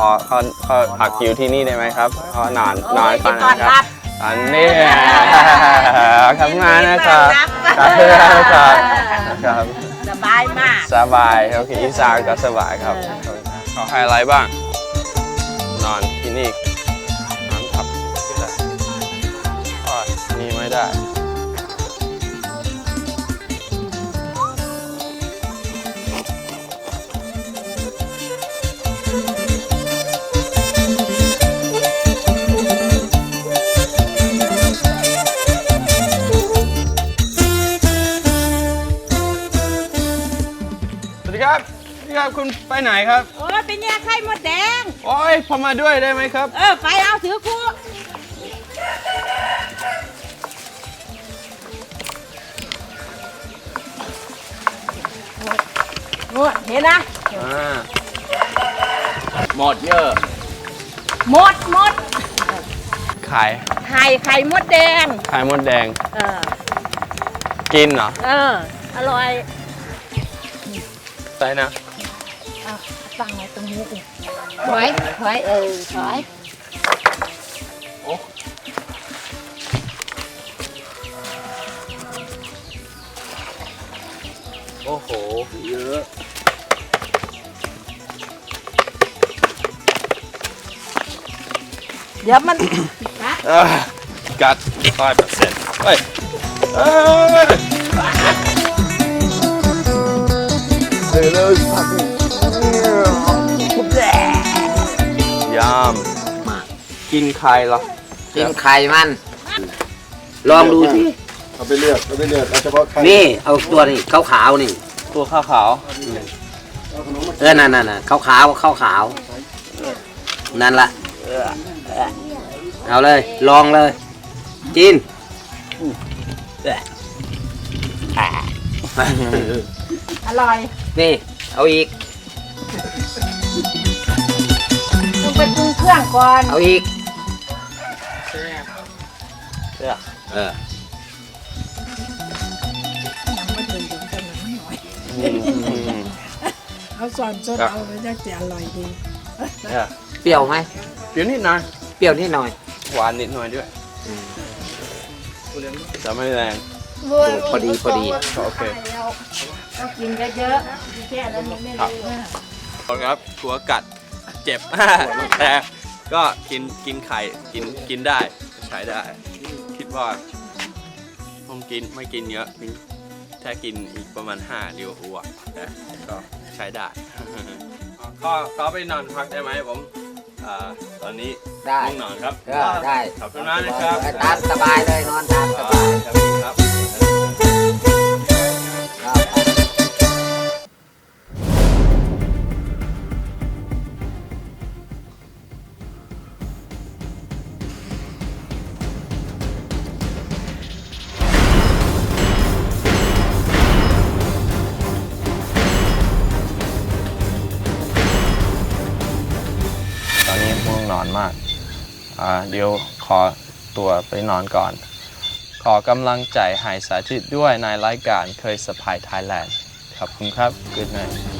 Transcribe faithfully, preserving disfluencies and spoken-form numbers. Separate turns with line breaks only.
อขอขอพักอยู่ที่นี่ได้ไหมครับขอนอนนอนก่อนนะครับอันนี้ขอบคุณมากนะครับขอบคุณครับครับ
สบายมาก
สบายโอเคอีสานก็สบายครับขอให้อะไรบ้างนอนที่นี่นอนทับได้อ๋อนี่ไม่ได้ครับพี่ครับคุณไปไหนครับ
โอ้ยเป็นแย่ไข่มดแดง
โอ้ยพอมาด้วยได้ไหมครับ
เออไปเอาถือคู่โอ้เห็นนะ
หมดเยอะ
หมดหมด
ไข่
ไข่ไข่มดแดง
ไข่มดแดง
เออ
กินเหรอ
เอออร่อย
ใส่นะ
ตั้งไว้ตรงนี้ดิถอยถอยเออถอย
โอ้โอ้โหเยอะ
เดี๋ยวมัน
กัดร้อยเปอร์เซ็นต์เฮ้ยเลยพักยามมากินไข่เหรอ
กินไข่มันลองดูสิ
เอาไปเลือกเอาไปเลือกเอาเฉพาะไข่
นี่เอาตัวนี้ขาวขาวนี่
ตัวขาวขาว
เออนั่นนั่นขาวขาวขาวขาวนั่นละเอาเลยลองเลยกิน
อร่อย
นี่เอาอีก
ต้องไปปรุงเครื่องก่อน
เอาอีก
เออ
เออ
เอาสอนสดเอาไปจะจะอร่อยดี
เปรี้ยวไหม
เปรี้ยวนิดหน่อย
เปรี้ยวนิดหน่อย
หวานนิดหน่อยด้วยจะไม่แรง
พอดีพอดี
โอเค
ก็กินเยอะๆแค่นั้นไม่ได้
ครับกลัวกัดเจ็บแต่ก็กินกินไข่กินกินได้ใช้ได้คิดว่าผมกินไม่กินเยอะถ้ากินอีกประมาณห้าเดียวอ้วกแต่ก็ใช้ได้ก็ก็ไปนอนพักได้ไหมผมตอนนี้
ได้
นอนครับ
ได้
ขอบคุณมากนะครับ
ตามสบายเลยนอนตามสบาย
ครับตอนนี้ง่วงนอนมากเดี๋ยวขอตัวไปนอนก่อนขอกำลังใจให้สาธิตด้วยในรายการเคยสะพายไทยแลนด์ขอบคุณครับ Good night